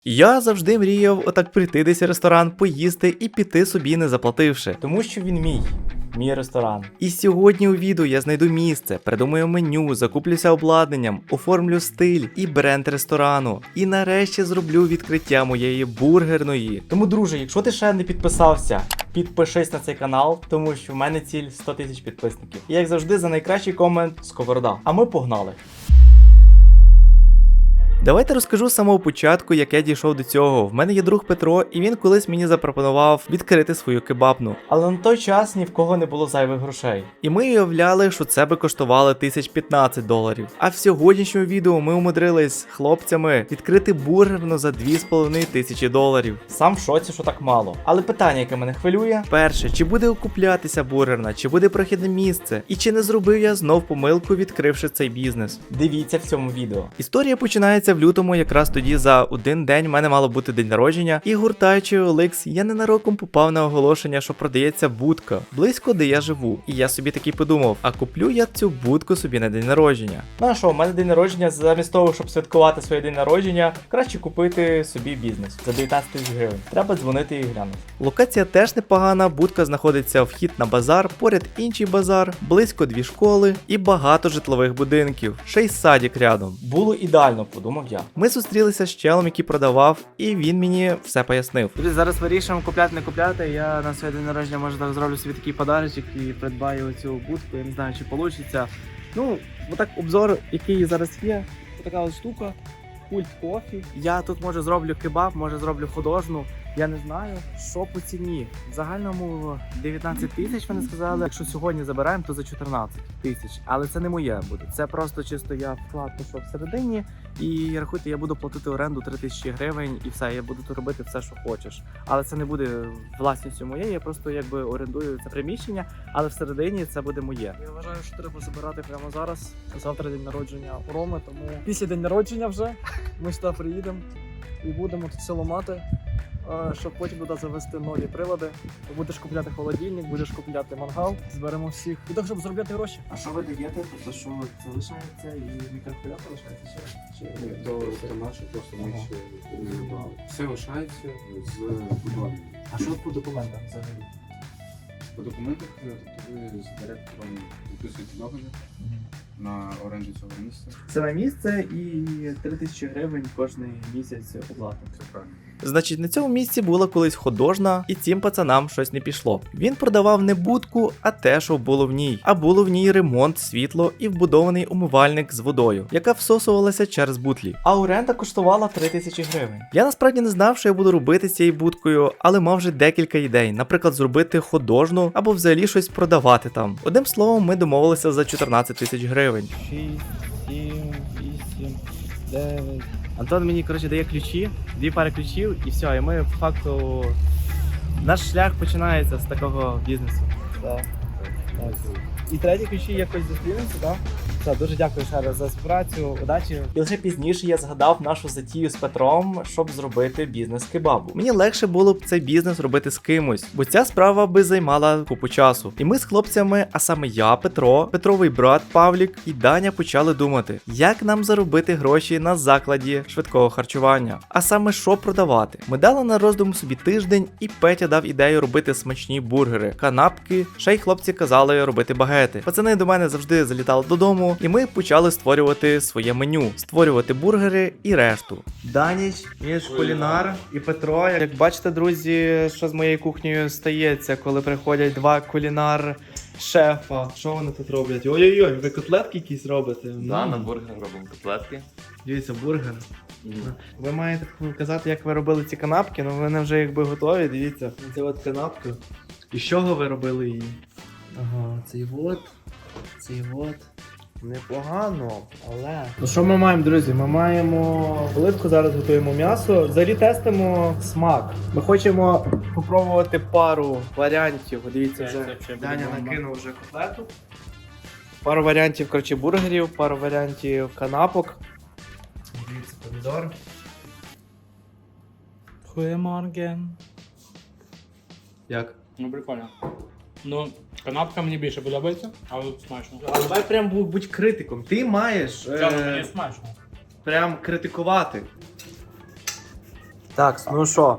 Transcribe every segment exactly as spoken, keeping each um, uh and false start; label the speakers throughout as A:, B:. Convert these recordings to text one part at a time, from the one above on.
A: Я завжди мріяв отак прийти десь в ресторан, поїсти і піти собі не заплативши. Тому що він мій. Мій ресторан. І сьогодні у відео я знайду місце, придумаю меню, закуплюся обладнанням, оформлю стиль і бренд ресторану. І нарешті зроблю відкриття моєї бургерної. Тому, друже, якщо ти ще не підписався, підпишись на цей канал, тому що в мене ціль сто тисяч підписників. І як завжди, за найкращий комент Сковорода. А ми погнали. Давайте розкажу з самого початку, як я дійшов до цього. В мене є друг Петро, і він колись мені запропонував відкрити свою кебабну. Але на той час ні в кого не було зайвих грошей. І ми уявляли, що це би коштувало тисяч п'ятнадцять доларів. А в сьогоднішньому відео ми умудрились з хлопцями відкрити бургерну за дві з половиною тисячі доларів. Сам в шоці, що так мало. Але питання, яке мене хвилює: перше, чи буде окуплятися бургерна, чи буде прохідне місце, і чи не зробив я знов помилку, відкривши цей бізнес. Дивіться в цьому відео. Історія починається в лютому, якраз тоді за один день в мене мало бути день народження, і гуртаючи Оликс, я ненароком попав на оголошення, що продається будка близько де я живу. І я собі таки подумав, а куплю я цю будку собі на день народження. Ну а що, у мене день народження, замість того, щоб святкувати своє день народження, краще купити собі бізнес за дев'ятнадцять тисяч гривень. Треба дзвонити і глянути. Локація теж непогана, будка знаходиться вхід на базар, поряд інший базар, близько дві школи і багато житлових будинків. Ще й садик рядом. Було ідеально, подумав я. Ми зустрілися з челом, який продавав, і він мені все пояснив. Друзі, зараз вирішуємо, купляти, не купляти. Я на своє день народження, може, так зроблю собі такий подарочок і придбаю оцю будку. Я не знаю, чи вийде. Ну, отак обзор, який зараз є. Така ось штука. Пульт кофі. Я тут, може, зроблю кебаб, може, зроблю художну. Я не знаю, що по ціні. В загальному дев'ятнадцять тисяч вони сказали. Якщо сьогодні забираємо, то за чотирнадцять тисяч. Але це не моє буде. Це просто чисто я вклад пішов всередині. І рахуйте, я буду платити оренду три тисячі гривень і все. Я буду тут робити все, що хочеш. Але це не буде власністю моєї, я просто якби орендую це приміщення, але всередині це буде моє.
B: Я вважаю, що треба забирати прямо зараз. Завтра день народження у Роми, тому після день народження вже ми сюди приїдемо і будемо тут все ламати, щоб потім туди завести нові прилади. Будеш купляти холодильник, будеш купляти мангал, зберемо всіх. І так, щоб заробляти гроші.
A: А що ви даєте? Тобто, що це лишається і мікрохвильовка лишається? Чи
C: Ні, то це наше, просто ми
A: Ага.
C: ще не забрали. Все лишається з будовами.
A: А що по документам взагалі?
C: По документах, тобто ви з директором підписуєте договір на оренду цього місця.
A: Саме місце і три тисячі гривень кожний місяць оплата.
C: Це правильно.
A: Значить, на цьому місці була колись художна, і цим пацанам щось не пішло. Він продавав не будку, а те, що було в ній. А було в ній ремонт, світло і вбудований умивальник з водою, яка всосувалася через бутлі. А оренда коштувала три тисячі гривень. Я насправді не знав, що я буду робити з цією будкою, але мав вже декілька ідей. Наприклад, зробити художну або взагалі щось продавати там. Одним словом, ми домовилися за чотирнадцять тисяч гривень. шість, сім, вісім, дев'ять... Антон мені, коротше, дає ключі, дві пари ключів і все, і ми, по факту, наш шлях починається з такого бізнесу. Так. Так. І треті ключі якось зустрінемося, так? Все, дуже дякую ще раз за співпрацю, удачі. І лише пізніше я згадав нашу затію з Петром, щоб зробити бізнес кебабу. Мені легше було б цей бізнес робити з кимось, бо ця справа би займала купу часу. І ми з хлопцями, а саме я, Петро, Петровий брат Павлік і Даня почали думати, як нам заробити гроші на закладі швидкого харчування. А саме що продавати. Ми дали на роздум собі тиждень, і Петя дав ідею робити смачні бургери, канапки, ще й хлопці казали робити багети. Пацани до мене завжди залітали додому, і ми почали створювати своє меню, створювати бургери і решту. Даніч, він ж кулінар, і Петро. Як бачите, друзі, що з моєю кухнею стається, коли приходять два кулінар-шефа. Що вони тут роблять? Ой-ой-ой, ви котлетки якісь робите?
D: Да, на бургер робимо котлетки.
A: Дивіться, бургер. Ви маєте казати, як ви робили ці канапки, ну вони вже якби готові, дивіться. Це от канапка. І з чого ви робили її? Ага, цей от, цей от. Непогано, але... Ну що ми маємо, друзі? Ми маємо плитку, зараз готуємо м'ясо. Взагалі тестимо смак. Ми хочемо попробувати пару варіантів. Дивіться, вже Даня накинув вже котлету. Пару варіантів, коротше, бургерів, пару варіантів канапок. Дивіться, помідор.
B: Хуеморген.
A: Як?
E: Ну, прикольно. Ну, канапка мені більше подобається, але смачно.
A: А давай прям будь критиком. Ти маєш
E: Чому
A: е,
E: мені смачно?
A: прям критикувати. Так, ну що?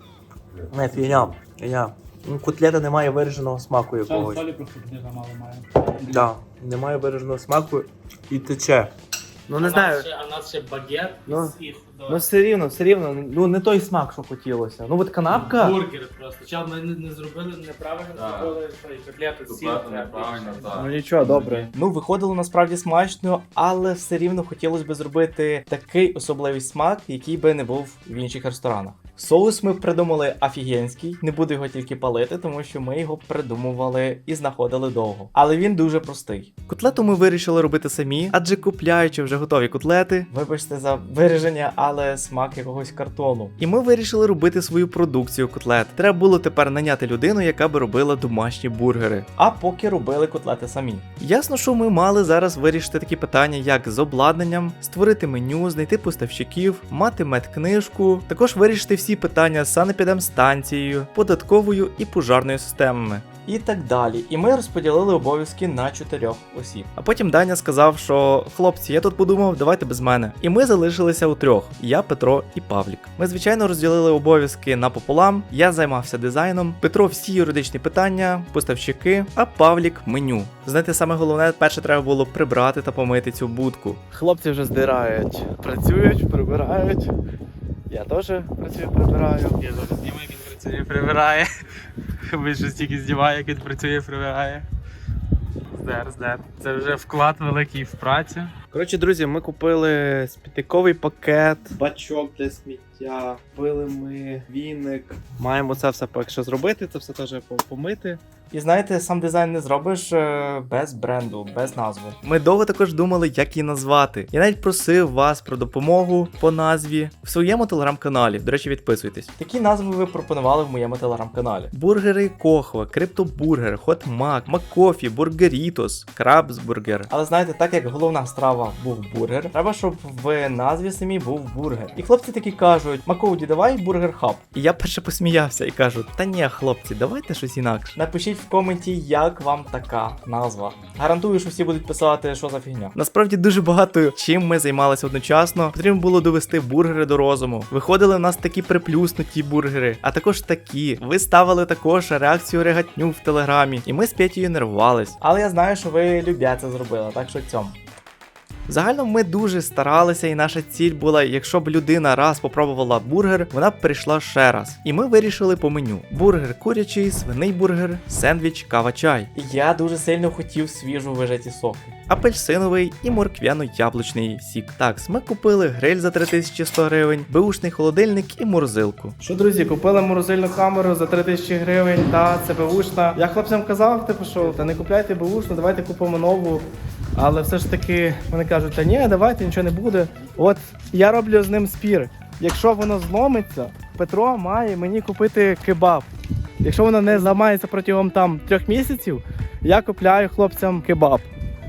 A: Не, фігня. Фігня. Ну, котлета не має вираженого смаку якогось.
E: Солі просто туди замало має.
A: Да, немає вираженого смаку і тече. Ну не знаю.
E: А в нас ще багет
A: Ну,
E: і
A: Ну все рівно, все рівно, ну не той смак, що хотілося. Ну от канапка.
E: бургер просто. Чел, ми не, не зробили неправильно,
C: Так.
E: зробили що, і котлету з сіль.
C: Котлету неправильно, так.
A: Ну нічого, добре. Ну виходило насправді смачно, але все рівно хотілося б зробити такий особливий смак, який би не був в інших ресторанах. Соус ми придумали офігенський, не буду його тільки палити, тому що ми його придумували і знаходили довго. Але він дуже простий. Котлету ми вирішили робити самі, адже купляючи вже готові котлети, вибачте за вираження, але смак якогось картону. І ми вирішили робити свою продукцію котлет. Треба було тепер наняти людину, яка би робила домашні бургери. А поки робили котлети самі. Ясно, що ми мали зараз вирішити такі питання, як з обладнанням, створити меню, знайти поставщиків, мати медкнижку, також вирішити всі питання з санепідемстанцією, податковою і пожарною системами. І так далі. І ми розподілили обов'язки на чотирьох осіб. А потім Даня сказав, що хлопці, я тут подумав, давайте без мене. І ми залишилися у трьох: я, Петро і Павлік. Ми, звичайно, розділили обов'язки напополам. Я займався дизайном, Петро всі юридичні питання, поставщики, а Павлік меню. Знаєте, саме головне, перше треба було прибрати та помити цю будку. Хлопці вже здирають, працюють, прибирають. Я теж працюю, прибираю.
E: Я зараз знімаю, як він працює, прибирає. Ви ж стільки знімає, як він працює, прибирає. Здер, здер. Це вже вклад великий в працю.
A: Коротше, друзі, ми купили смітниковий пакет, бачок для сміття, купили ми віник. Маємо це все поки що зробити, це все теж помити. І знаєте, сам дизайн не зробиш е, без бренду, без назви. Ми довго також думали, як її назвати. Я навіть просив вас про допомогу по назві в своєму телеграм-каналі. До речі, підписуйтесь. Такі назви ви пропонували в моєму телеграм-каналі: бургери Кохва, Криптобургер, Хот Мак, Маккофі, Бургерітос, Крабсбургер. Але знаєте, так як головна страва був бургер, треба, щоб в назві самій був бургер. І хлопці такі кажуть: Макоуді, давай бургер хаб. І я перше посміявся і кажу: та ні, хлопці, давайте щось інакше. Напишіть в коменті, як вам така назва. Гарантую, що всі будуть писати, що за фігня. Насправді дуже багато чим ми займалися одночасно. Потрібно було довести бургери до розуму. Виходили в нас такі приплюснуті бургери, а також такі. Ви ставили також реакцію регатню в телеграмі, і ми з Петєю нервувались. Але я знаю, що ви любя це зробили, так що цьому. Загально ми дуже старалися, і наша ціль була, якщо б людина раз попробувала бургер, вона б прийшла ще раз. І ми вирішили по меню: бургер курячий, свиний бургер, сендвіч, кава, чай. І я дуже сильно хотів свіжу вижаті соки: апельсиновий і морквяно-яблучний сік. Так, ми купили гриль за три тисячі сто гривень, беушний холодильник і морозилку. Що, друзі, купили морозильну камеру за три тисячі гривень, та це беушна. Я хлопцям казав, типу, що та не купляйте беушну, давайте купимо нову. Але все ж таки вони кажуть: та ні, давайте, нічого не буде. От я роблю з ним спір. Якщо воно зломиться, Петро має мені купити кебаб. Якщо воно не зламається протягом там трьох місяців, я купляю хлопцям кебаб.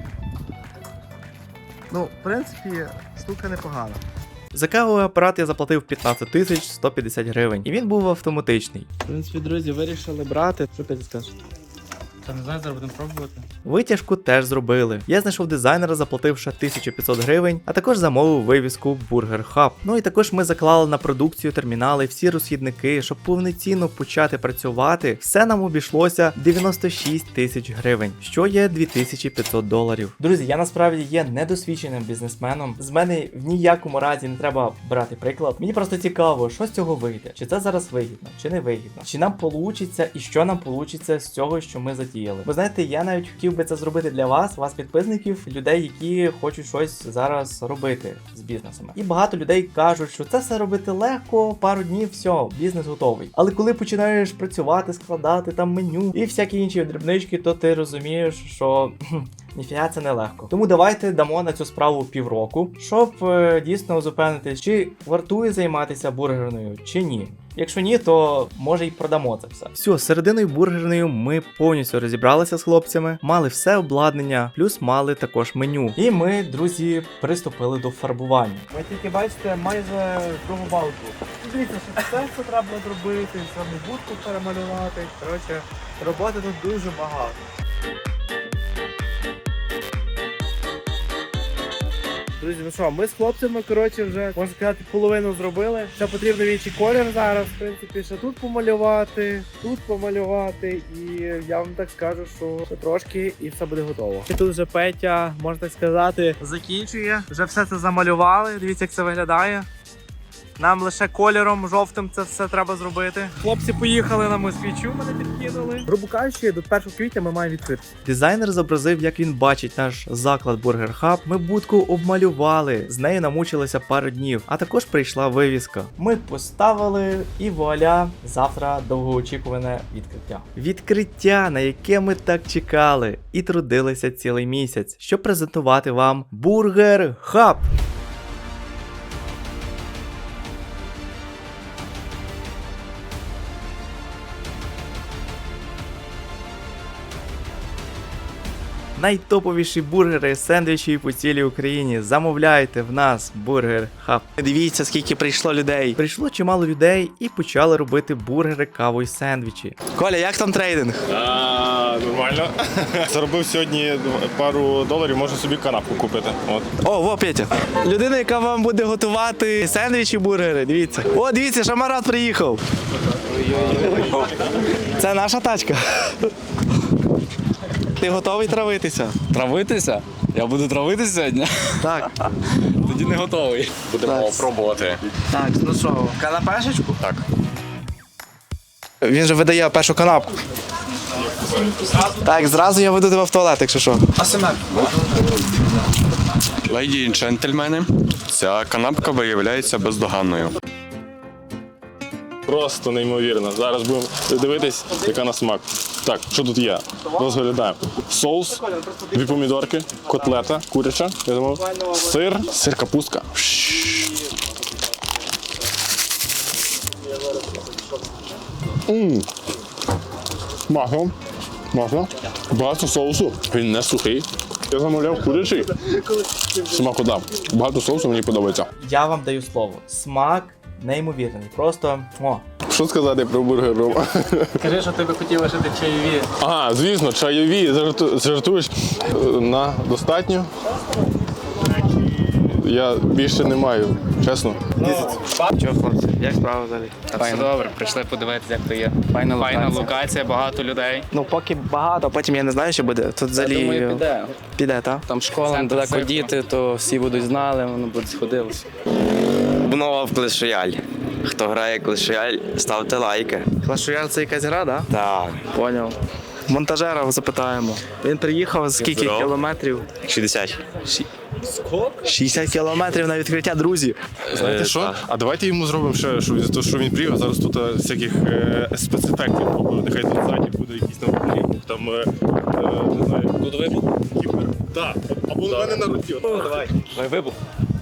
A: Ну, в принципі, штука непогана. За кавовий апарат я заплатив п'ятнадцять тисяч сто п'ятдесят гривень, і він був автоматичний. В принципі, друзі, вирішили брати. Що ти скажеш?
E: Та не знаю, зараз будемо пробувати.
A: Витяжку теж зробили. Я знайшов дизайнера, заплативши тисячу п'ятсот гривень, а також замовив вивіску Burger Hub. Ну і також ми заклали на продукцію термінали, всі розхідники, щоб повноцінно почати працювати. Все нам обійшлося дев'яносто шість тисяч гривень, що є дві тисячі п'ятсот доларів. Друзі, я насправді є недосвідченим бізнесменом. З мене в ніякому разі не треба брати приклад. Мені просто цікаво, що з цього вийде. Чи це зараз вигідно, чи не вигідно. Чи нам получиться і що нам получиться з цього, що ми затіяли. Ви знаєте, я навіть хотів би це зробити для вас, вас підписників, людей, які хочуть щось зараз робити з бізнесами. І багато людей кажуть, що це все робити легко, пару днів, все, бізнес готовий. Але коли починаєш працювати, складати там меню і всякі інші дрібнички, то ти розумієш, що ніфіга це не легко. Тому давайте дамо на цю справу півроку, щоб е, дійсно зупинитись, чи вартує займатися бургерною, чи ні. Якщо ні, то може й продамо це все. Все, з серединою бургерною ми повністю розібралися з хлопцями, мали все обладнання, плюс мали також меню. І ми, друзі, приступили до фарбування. Ви тільки бачите майже другу балку. Дивіться, що все, що треба зробити, саме будку перемалювати. Коротше, роботи тут дуже багато.
F: Друзі, ну що, ми з хлопцями, коротше, вже, можна сказати, половину зробили. Ще потрібно інший колір зараз, в принципі, ще тут помалювати, тут помалювати, і я вам так скажу, що ще трошки і все буде готово. І тут вже Петя, можна так сказати, закінчує. Вже все це замалювали, дивіться, як це виглядає. Нам лише кольором жовтим це все треба зробити. Хлопці поїхали на москвичу, мене підкинули. Грубо кажучи, до першого квітня ми маємо відкрити.
A: Дизайнер зобразив, як він бачить наш заклад Burger Hub. Ми будку обмалювали, з нею намучилися пару днів, а також прийшла вивіска. Ми поставили і вуаля, завтра довгоочікуване відкриття. Відкриття, на яке ми так чекали і трудилися цілий місяць, щоб презентувати вам Burger Hub. Найтоповіші бургери, сендвічі по цілій Україні. Замовляйте в нас Burger Hub. Дивіться, скільки прийшло людей. Прийшло чимало людей і почали робити бургери, каву і сендвічі. Коля, як там трейдинг?
G: А, нормально. Заробив сьогодні пару доларів, можу собі канапку купити. От.
A: О, во, Петя. Людина, яка вам буде готувати сендвічі, бургери, дивіться. О, дивіться, Шамарат приїхав. Це наша тачка. Ти готовий травитися?
H: Травитися? Я буду травитися сьогодні?
A: Так.
H: Тоді не готовий.
G: Будемо
A: Так.
G: пробувати.
A: Так, ну що, канапешечку?
G: Так.
A: Він же видає першу канапку. Так, зразу я веду тебе в туалет, якщо що.
G: Леді і джентльмени, ця канапка виявляється бездоганною. Просто неймовірно. Зараз будемо дивитись, яка на смак. Так, що тут є? Розглядаємо. Соус, дві помідорки, котлета, куряча, я думав, сир, сир капустка. Ммм. Масло. Масло. Багато соусу. Він не сухий. Я замовляв курячий. Смаку дав. Багато соусу, мені подобається.
A: Я вам даю слово. Смак неймовірний. Просто о.
G: Що сказати про бургер Рома?
E: Кажи, що ти би хотів лишити чайові.
G: Ага, звісно, чайові. Жарту- Жартуєш Е, на достатньо. Я більше не маю, чесно.
A: Чого, хлопці? Як справа взагалі?
E: Все добре, прийшли подивитися, як то є. Файна локація. Файна локація, багато людей.
A: Ну, поки багато, а потім я не знаю, що буде. Тут взагалі
H: Я думаю, піде.
A: піде, так?
H: Там школа
E: Центр
H: недалеко
E: цирку.
H: діти, то всі будуть знали, воно буде сходилося.
I: Обнова в Clash Royale. Хто грає Clash Royale, ставте лайки.
A: Clash Royale — це якась гра, так?
I: Так,
A: Поняв. Монтажера запитаємо. Він приїхав з скільки
I: Здорово.
A: кілометрів?
I: шістдесят.
A: шістдесят кілометрів на відкриття, друзі.
G: Знаєте
I: Е,
G: що?
I: так.
G: А давайте йому зробимо ще, що, то, що він приїхав, зараз тут е, всяких е, спецефектів побудуть. Нехай тут ззаді буде якийсь навколо, там, е, е, не знаю. Тут вибух? Кіпер. Так, або на мене на руці. Давай.
I: Давай вибух.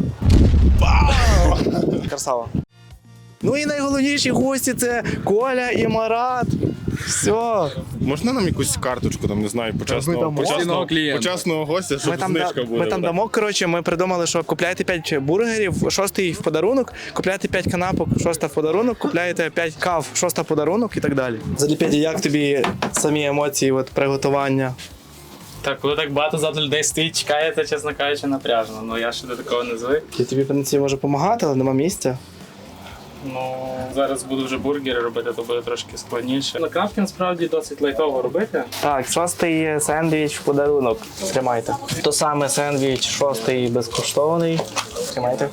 A: Красава. Ну і найголовніші гості — це Коля і Марат. Все.
G: Можна нам якусь карточку, там, не знаю, почесного,
A: дамо.
G: почесного,
H: Постійного клієнта.
G: почесного гостя, щоб
A: Ми там,
G: знижка
A: да-
G: буде.
A: ми там
G: так.
A: дамо, коротше, ми придумали, що купляєте п'ять бургерів, шостий в подарунок, купляєте п'ять канапок, шоста в подарунок, купляєте п'ять кав, шоста в подарунок і так далі. Взагалі, Петя, як тобі самі емоції, от, приготування?
E: Так, коли так багато завжди людей стоїть, чекає, це, чесно кажучи, напряжно. Ну я ще до такого не звик.
A: Я тобі, в принципі, можу допомагати, але нема місця.
E: Ну, зараз буду вже бургери робити, то буде трошки складніше. На крафті насправді досить лайтово робити.
A: Так, шостий сендвіч в подарунок. Тримайте. То саме сендвіч, шостий безкоштовний. Тримайте.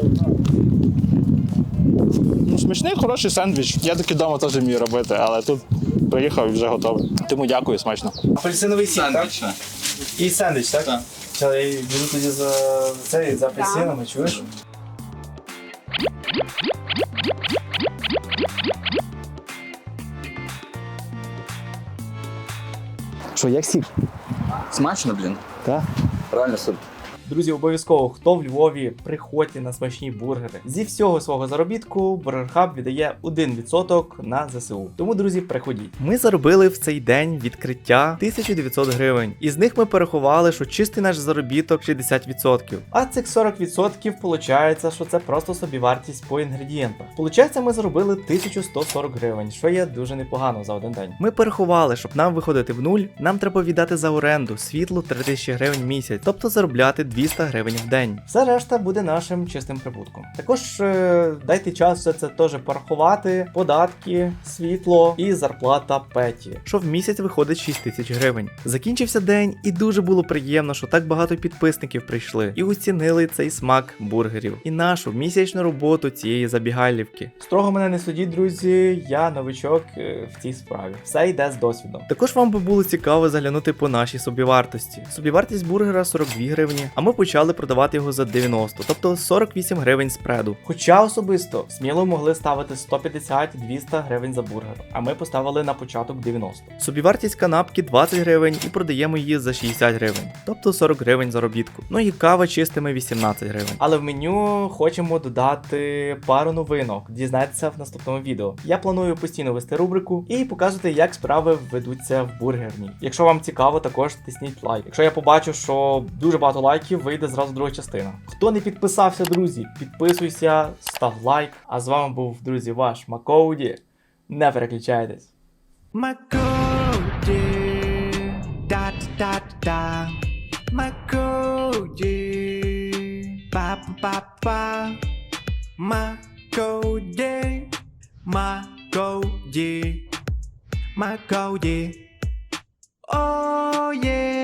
J: Ну, смачний, хороший сендвіч. Я таки вдома теж вмію робити, але тут приїхав і вже готовий. Тому дякую, смачно.
A: Апельсиновий сік, так? І сендвіч, так? Так. Я йду тоді за цей, за апельсинами, чуєш? Що, як сік?
H: Смачно, блін.
A: Так.
H: Реально супер.
A: Друзі, обов'язково, хто в Львові, приходьте на смачні бургери. Зі всього свого заробітку Burger Hub віддає один відсоток на ЗСУ. Тому, друзі, приходіть. Ми заробили в цей день відкриття тисячу дев'ятсот гривень. Із них ми порахували, що чистий наш заробіток шістдесят відсотків. А цих сорок відсотків виходить, що це просто собівартість по інгредієнтах. Получається, ми заробили тисячу сто сорок гривень, що є дуже непогано за один день. Ми порахували, щоб нам виходити в нуль, нам треба віддати за оренду світло три тисячі гривень в місяць, тобто заробляти двісті гривень в день. Все решта буде нашим чистим прибутком. Також е, дайте час все це теж порахувати, податки, світло і зарплата Петі, що в місяць виходить шість тисяч гривень. Закінчився день і дуже було приємно, що так багато підписників прийшли і оцінили цей смак бургерів і нашу місячну роботу цієї забігайлівки. Строго мене не судіть, друзі, я новичок е, в цій справі. Все йде з досвідом. Також вам би було цікаво заглянути по нашій собівартості. Собівартість бургера сорок дві гривні, а ми почали продавати його за дев'яносто, тобто сорок вісім гривень спреду. Хоча особисто сміло могли ставити сто п'ятдесят - двісті гривень за бургер, а ми поставили на початок дев'яносто. Собівартість канапки двадцять гривень і продаємо її за шістдесят гривень, тобто сорок гривень заробітку. Ну і кава чистими вісімнадцять гривень. Але в меню хочемо додати пару новинок, дізнайтеся в наступному відео. Я планую постійно вести рубрику і показувати, як справи ведуться в бургерній. Якщо вам цікаво, також тисніть лайк. Якщо я побачу, що дуже багато лайків, вийде зразу друга частина. Хто не підписався, друзі, підписуйся, став лайк. А з вами був, друзі, ваш Макоуді. Не переключайтесь. Макоуді, да-да-да-да. Макоуді, па-па-па-па. Макоуді, Макоуді, Макоуді. Oh yeah.